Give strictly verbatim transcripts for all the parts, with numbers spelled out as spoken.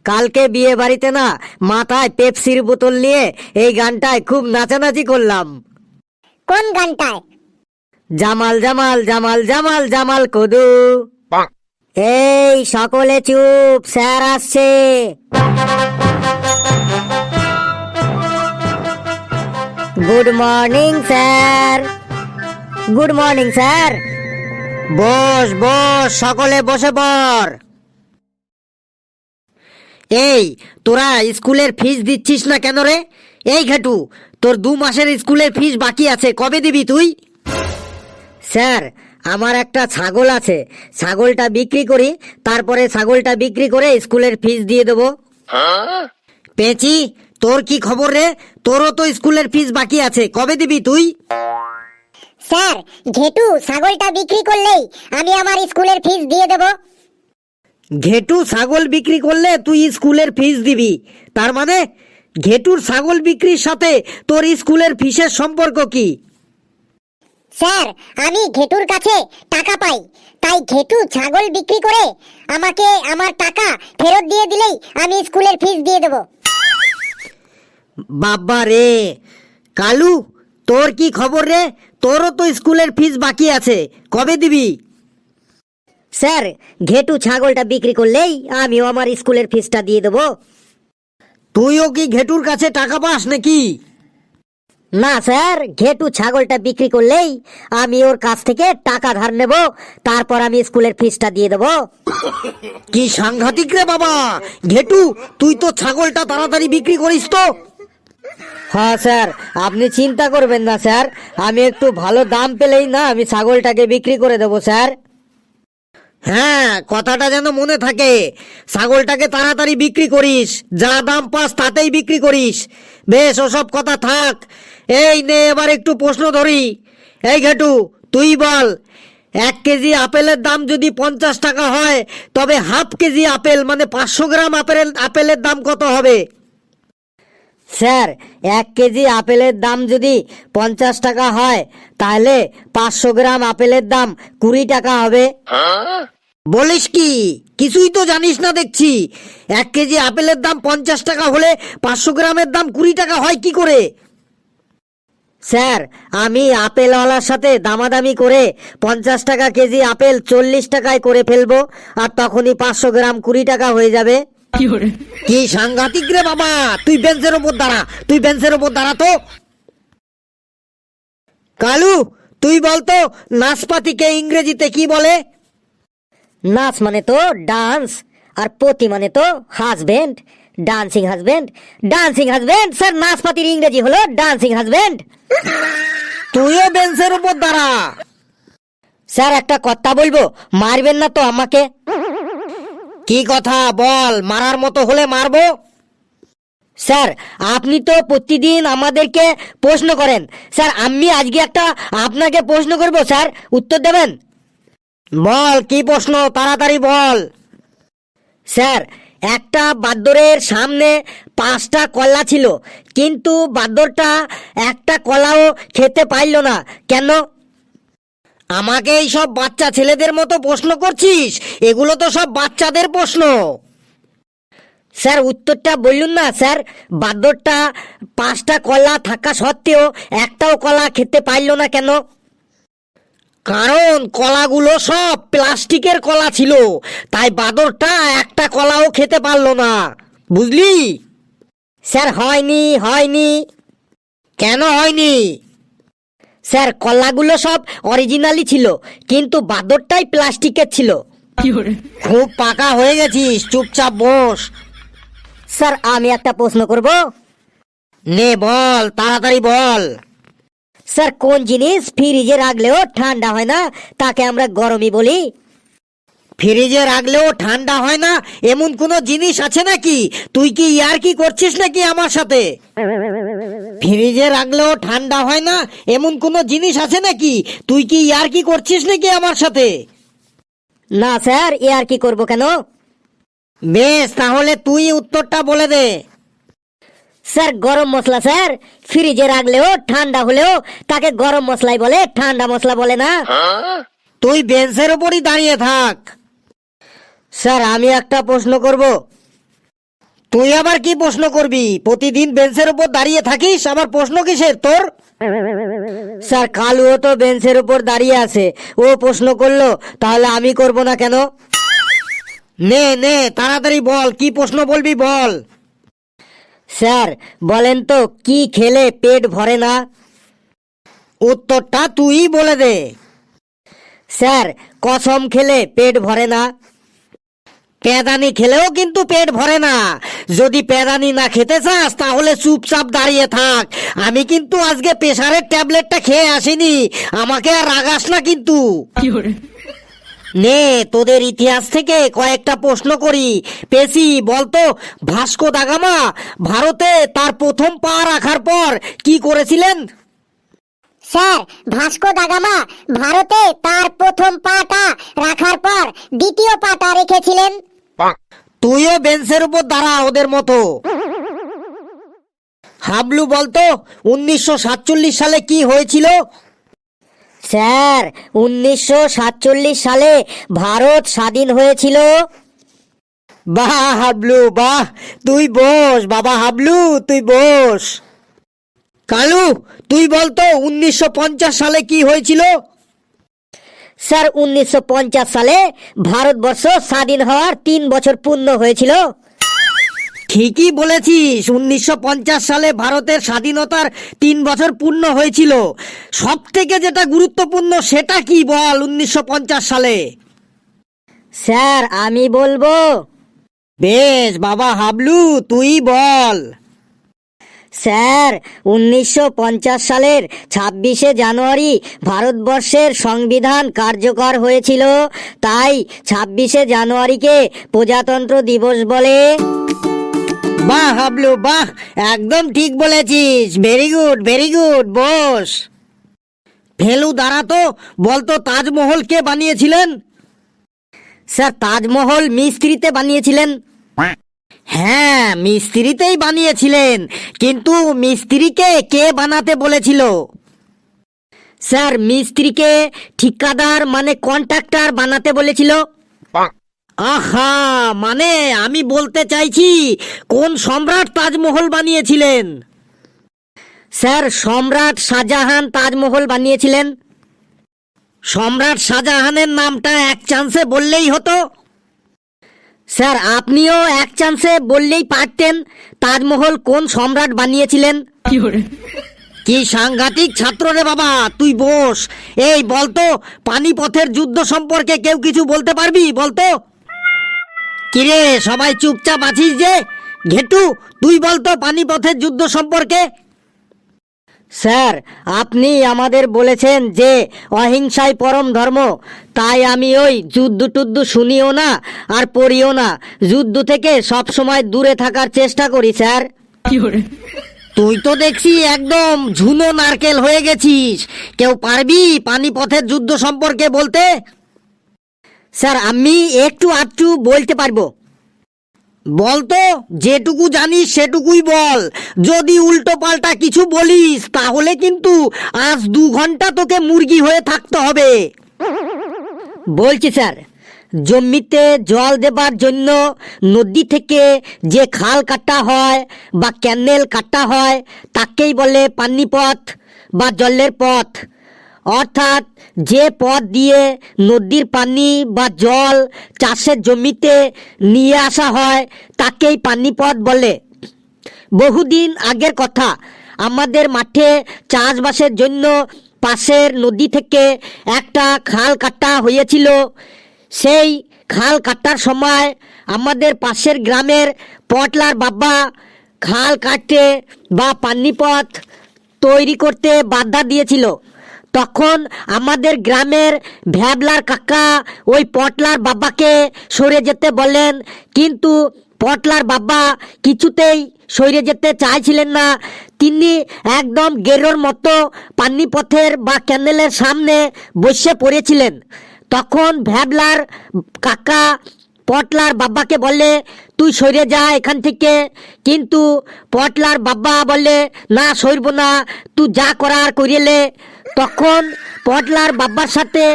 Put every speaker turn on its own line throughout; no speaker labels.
কালকে বিয়ে বাড়িতে না মাথায় পেপসির বোতল নিয়ে এই গানটায় খুব নাচানাচি করলাম।
কোন গানটায়?
জামাল জামাল জামাল জামাল জামাল কদু। এই সকলে চুপ, স্যার আসছে। Good morning sir. Good morning sir. বস বস, সকলে বসে পড়। এই তোরা স্কুলের ফিস দিচ্ছিস না কেন রে? এই ঘাটু, তোর দু মাসের স্কুলের ফিস বাকি আছে, কবে দিবি তুই? স্যার, আমার একটা ছাগল আছে, ছাগলটা বিক্রি করি, তারপরে ছাগলটা বিক্রি করে স্কুলের ফিস দিয়ে দেবো। পেঁচি, তোর কি খবর রে? তোরও তো স্কুলের ফিস বাকি আছে, কবে দিবি তুই?
স্যার, ঘেটু ছাগলটা বিক্রি করলেই আমি আমার স্কুলের ফিস দিয়ে দেব।
ঘেটু ছাগল বিক্রি করলে তুই স্কুলের ফিস দিবি? তার মানে ঘেটুর ছাগল বিক্রির সাথে তোর স্কুলের ফিসের সম্পর্ক কি?
স্যার, আমি ঘেটুর কাছে টাকা পাই, তাই ঘেটু ছাগল বিক্রি করে আমাকে আমার টাকা ফেরত দিয়ে দিলেই আমি স্কুলের ফিস দিয়ে দেব।
বাবা রে কালু, তোর কি খবর রে? তোরও তো স্কুলের ফিস বাকি আছে, কবে দিবি? স্যার, ঘেটু ছাগলটা বিক্রি করলেই আমিও আমার স্কুলের ফিসটা দিয়ে দেবো। তুইও কি ঘেটুর কাছে টাকা পাস নাকি? না স্যার, ঘেটু ছাগলটা বিক্রি করলেই আমি ওর কাছ থেকে টাকা ধার নেব, তারপর আমি স্কুলের ফিসটা দিয়ে দেবো। কি সাংঘাতিক রে বাবা! ঘেটু, তুই তো ছাগলটা তাড়াতাড়ি বিক্রি করিস তো। হ্যাঁ স্যার, আপনি চিন্তা করবেন না স্যার, আমি একটু ভালো দাম পেলেই না আমি ছাগলটাকে বিক্রি করে দেবো স্যার। হ্যাঁ, কথাটা যেন মনে থাকে, ছাগলটাকে তাড়াতাড়ি বিক্রি করিস, যা দাম পাস তাতেই বিক্রি করিস। বেশ, ওসব কথা থাক। এই নে এবার একটু প্রশ্ন ধরি। এই ঘেটু, তুই বল, এক কেজি আপেলের দাম যদি পঞ্চাশ টাকা হয়, তবে হাফ কেজি আপেল মানে পাঁচশো গ্রাম আপেল আপেলের দাম কত হবে? স্যার, এক কেজি আপেলের দাম যদি পঞ্চাশ টাকা হয়, তাহলে পাঁচশো গ্রাম আপেলের দাম কুড়ি টাকা হবে। বলিস কি? কিছুই তো জানিস না দেখছি। এক কেজি আপেলের দাম পঞ্চাশ টাকা হলে পাঁচশো গ্রামের দাম কুড়ি টাকা হয় কি করে? স্যার, আমি আপেলওয়ালার সাথে দামাদামি করে পঞ্চাশ টাকা কেজি আপেল চল্লিশ টাকায় করে ফেলবো, আর তখনই পাঁচশো গ্রাম কুড়ি টাকা হয়ে যাবে। কি সাংঘাতিক রে বাবা! তুই বেঞ্চের ওপর দাঁড়া, তুই বেঞ্চের ওপর দাঁড়া তো। কালু, তুই বলতো নাশপাতিকে ইংরেজিতে কি বলে? নাচ মানে তো ডান্স, আর পতি মানে তো husband, dancing husband. Dancing husband sir, নাশপাতির ইংরেজি হলো ডান্সিং হাজবেন্ড। তুইও বেঞ্চের উপর দাঁড়া। স্যার, একটা কথা বলবো, মারবেন না তো আমাকে? কি কথা বল, মারার মতো হলে মারবো। স্যার, আপনি তো প্রতিদিন আমাদেরকে প্রশ্ন করেন, স্যার আমি আজকে একটা আপনাকে প্রশ্ন করব, স্যার উত্তর দেবেন? বল, কি প্রশ্ন, তাড়াতাড়ি বল। স্যার, একটা বাঁদরের সামনে পাঁচটা কলা ছিল, কিন্তু বাঁদরটা একটা কলাও খেতে পারল না, কেন? আমাকে এই সব বাচ্চা ছেলেদের মতো প্রশ্ন করছিস? এগুলো তো সব বাচ্চাদের প্রশ্ন। স্যার, উত্তরটা বললুন না স্যার। বাঁদরটা পাঁচটা কলা থাকা সত্ত্বেও একটাও কলা খেতে পারল না কেন? কারণ কলাগুলো সব প্লাস্টিকের কলা ছিল, তাই বাঁদরটা একটা কলাও খেতে পারলো না, বুঝলি? স্যার, হয়নি হয়নি। কেন হয়নি? স্যার, কলাগুলো সব অরিজিনালি ছিল, কিন্তু বাঁদরটাই প্লাস্টিকের ছিল। খুব পাকা হয়ে গেছিস, চুপচাপ বস। স্যার, আমি একটা প্রশ্ন করব। নে বল, তাড়াতাড়ি বল। স্যার, কোন জিনিস ফ্রিজে রাখলেও ঠান্ডা হয় না, তাকে আমরা গরমই বলি? ফ্রিজে রাখলেও ঠান্ডা হয় না এমন কোনো জিনিস আছে নাকি? তুই কি ইয়ার কি করছিস নাকি আমার সাথে? ফ্রিজে রাখলেও ঠান্ডা হয় না এমন কোনো জিনিস আছে নাকি? তুই কি ইয়ার কি করছিস নাকি আমার সাথে? না স্যার, ইয়ার কি করব কেন? বেশ, তাহলে তুই উত্তরটা বলে দে। স্যার, গরম মশলা স্যার। ফ্রিজে রাখলেও ঠান্ডা হলেও তাকে গরম মশলাই বলে, ঠান্ডা মশলা বলে না। তুই বেঞ্চের উপরই দাঁড়িয়ে থাক। স্যার, আমি একটা প্রশ্ন করব। তুই আবার কি প্রশ্ন করবি? প্রতিদিন বেঞ্চের উপর দাঁড়িয়ে থাকিস, আবার প্রশ্ন কিসের তোর? স্যার, কালুও তো বেঞ্চের উপর দাঁড়িয়ে আছে, ও প্রশ্ন করলো, তাহলে আমি করব না কেন? নে নে তাড়াতাড়ি বল, কি প্রশ্ন বলবি বল। স্যার বলেন তো, কি খেলে পেট ভরে না? উত্তরটা তুই বলে দে। স্যার, কসম খেলে পেট ভরে না। পেদানি খেলেও কিন্তু পেট ভরে না। যদি পেদানি না খেতে চাস তাহলে চুপচাপ দাঁড়িয়ে থাক। আমি কিন্তু আজকে প্রেসারের ট্যাবলেটটা খেয়ে আসিনি, আমাকে আর রাগাস না কিন্তু। নে তোদের ইতিহাস থেকে কয়েকটা প্রশ্ন করি। পেশি বলতো, ভাস্কো দা গামা ভারতে তার প্রথম পা রাখার পর কি করেছিলেন?
স্যার, ভাস্কো দা গামা ভারতে তার প্রথম পাটা রাখার পর দ্বিতীয় পাটা রেখেছিলেন।
তুইও বেঞ্চের উপর দাঁড়া ওদের মতো। হাবলু বলতো, উনিশশো সাতচল্লিশ সালে কি হয়েছিল? স্যার, উনিশশো সাতচল্লিশ সালে ভারত স্বাধীন হয়েছিল। বাহ হাবলু বাহ, তুই বস বাবা, হাবলু তুই বস। কালু তুই বলতো, উনিশশো পঞ্চাশ সালে কি হয়েছিল? স্যার, উনিশশো পঞ্চাশ সালে ভারতবর্ষ স্বাধীন হওয়ার তিন বছর পূর্ণ হয়েছিল। ঠিকই বলেছিস, উনিশশো পঞ্চাশ সালে ভারতের স্বাধীনতার তিন বছর পূর্ণ হয়েছিল। সব থেকে যেটা গুরুত্বপূর্ণ সেটা কি বল উনিশশো পঞ্চাশ সালে? স্যার আমি বলবো। বেশ বাবা হাবলু, তুই বল। স্যার, উনিশশো পঞ্চাশ সালের ছাব্বিশে জানুয়ারি ভারতবর্ষের সংবিধান কার্যকর হয়েছিল, তাই ছাব্বিশে জানুয়ারিকে প্রজাতন্ত্র দিবস বলে। বাহ হাবলু বাহ, একদম ঠিক বলেছিস, very good very good, boss. ফেলু দাঁড়াতো, বলতো তাজমহল কে বানিয়েছিলেন? স্যার, তাজমহল মিস্ত্রিতে বানিয়েছিলেন। হ্যাঁ, মিস্ত্রিতেই বানিয়েছিলেন, কিন্তু মিস্ত্রিকে কে বানাতে বলেছিল? স্যার, মিস্ত্রিকে ঠিকাদার মানে কন্ট্রাক্টর বানাতে বলেছিল। আহা, মানে আমি বলতে চাইছি কোন সম্রাট তাজমহল বানিয়েছিলেন? স্যার, সম্রাট শাহজাহান তাজমহল বানিয়েছিলেন। সম্রাট শাহজাহানের নামটা এক চান্সে বললেই হতো। স্যার, আপনিও এক চান্সে বললেই পারতেন তাজমহল কোন সম্রাট বানিয়েছিলেন। কি সাংঘাতিক ছাত্র রে বাবা, তুই বস। এই বলতো, পানিপথের যুদ্ধ সম্পর্কে কেউ কিছু বলতে পারবি বলতো? কিরে সবাই চুপচাপ আছিস যে? ঘেটু তুই বলতো পানিপথের যুদ্ধ সম্পর্কে। স্যার, আপনি আমাদের বলেছেন যে অহিংসাই পরম ধর্ম, তাই আমি ওই যুদ্ধ টুদ্ধ শুনিও না আর পড়িও না, যুদ্ধ থেকে সব সময় দূরে থাকার চেষ্টা করি স্যার। তুই তো দেখছি একদম ঝুনো নারকেল হয়ে গেছিস। কেউ পারবি পানিপথের যুদ্ধ সম্পর্কে বলতে? স্যার, আমি একটু আধটু বলতে পারবো। বলতো, যেটুকু জানিস সেটুকুই বল। যদি উল্টো পাল্টা কিছু বলিস তাহলে কিন্তু আজ দু ঘন্টা তোকে মুরগি হয়ে থাকতে হবে। বলছি স্যার, জমিতে জল দেবার জন্য নদী থেকে যে খাল কাটা হয় বা ক্যানেল কাটা হয় তাকেই বলে পানিপথ বা জলের পথ। অর্থাৎ যে পথ দিয়ে নদীর পানি বা জল চাষের জমিতে নিয়ে আসা হয় তাকেই পানিপথ বলে। বহুদিন আগের কথা, আমাদের মাঠে চাষবাসের জন্য পাশের নদী থেকে একটা খাল কাটা হয়েছিল। সেই খাল কাটার সময় আমাদের পাশের গ্রামের পটলার বাবা খাল কাটতে বা পানিপথ তৈরি করতে বাধা দিয়েছিল। তখন আমাদের গ্রামের ভ্যাবলার কাকা ওই পটলার বাবাকে সরে যেতে বলেন, কিন্তু পটলার বাবা কিছুতেই সরে যেতে চাইছিলেন না। তিনি একদম গেরোর মতো পানিপথের বা ক্যানেলের সামনে বসে পড়েছিলেন। তখন ভ্যাবলার কাকা পটলার বাবাকে বলে, তুই সরে যা এখান থেকে। কিন্তু পটলার বাবা বলে, না সরব না, তুই যা করার করিলে। তখন পটলার বাবার সাথে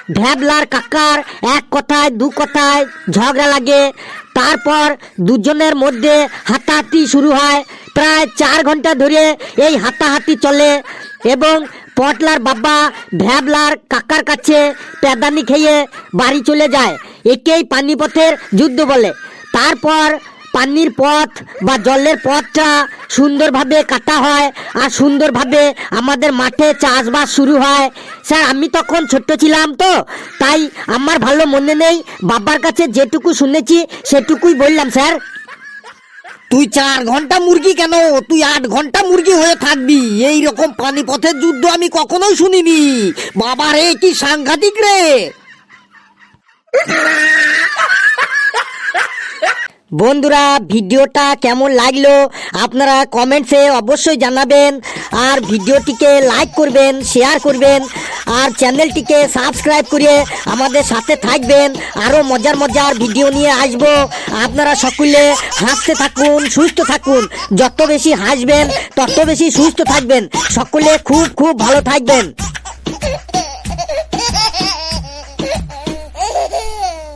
ভ্যাবলার কাকার এক কথায় দু কথায় ঝগড়া লাগে। তারপর দুজনের মধ্যে হাতাহাতি শুরু হয়। প্রায় চার ঘন্টা ধরে এই হাতাহাতি চলে এবং পটলার বাবা ভ্যাবলার কাকার কাছে প্যাদানি খেয়ে বাড়ি চলে যায়। একেই পানিপথের যুদ্ধ বলে। তারপর পানির পথ বা জলের পথটা সুন্দরভাবে কাটা হয় আর সুন্দরভাবে আমাদের মাঠে চাষবাস শুরু হয়। স্যার আমি তখন ছোট্ট ছিলাম তো, তাই আমার ভালো মনে নেই। বাবার কাছে যেটুকু শুনেছি সেটুকুই বললাম স্যার। তুই চার ঘন্টা মুরগি কেন, তুই আট ঘন্টা মুরগি হয়ে থাকবি। এই রকম পানিপথের যুদ্ধ আমি কখনোই শুনিনি। বাবা রে কি সাংঘাতিক রে। বন্ধুরা ভিডিওটা কেমন লাগলো আপনারা কমেন্টসে অবশ্যই জানাবেন, আর ভিডিওটিকে লাইক করবেন, শেয়ার করবেন, আর চ্যানেলটিকে সাবস্ক্রাইব করে আমাদের সাথে থাকবেন। আরও মজার মজার ভিডিও নিয়ে আসবো। আপনারা সকলে হাসতে থাকুন, সুস্থ থাকুন। যত বেশি হাসবেন তত বেশি সুস্থ থাকবেন। সকলে খুব খুব ভালো থাকবেন।